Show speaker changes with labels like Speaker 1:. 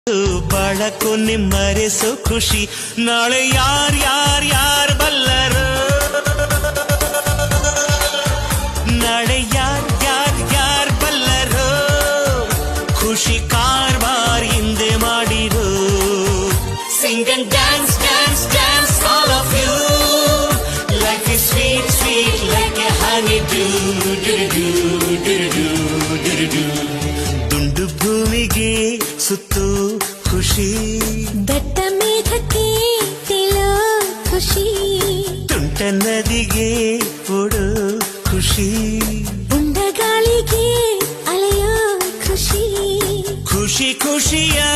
Speaker 1: ಬಾಳಕು ನಿಮ್ಮರೆಸೋ ಖುಷಿ ನಾಳೆ ಯಾರ್ ಬಲ್ಲರು ನಾಳೆ ಯಾರ್ ಬಲ್ಲರು ಖುಷಿ ಕಾರ್ಬಾರ್ ಹಿಂದೆ ಮಾಡಿರೋ sing and dance dance dance all of you life is sweet sweet like a honey dew ದುಂಡು ಭೂಮಿಗೆ ಸುತ್ತು ಖುಷಿ
Speaker 2: ದಟ್ಟ ಮೇಘಕ್ಕೆ ತಿಳೋ ಖುಷಿ
Speaker 1: ತುಂಟ ನದಿಗೆ ಓಡೋ ಖುಷಿ
Speaker 2: ಉಂಡ ಗಾಳಿಗೆ ಅಲೆಯೋ ಖುಷಿ
Speaker 1: ಖುಷಿ ಖುಷಿಯ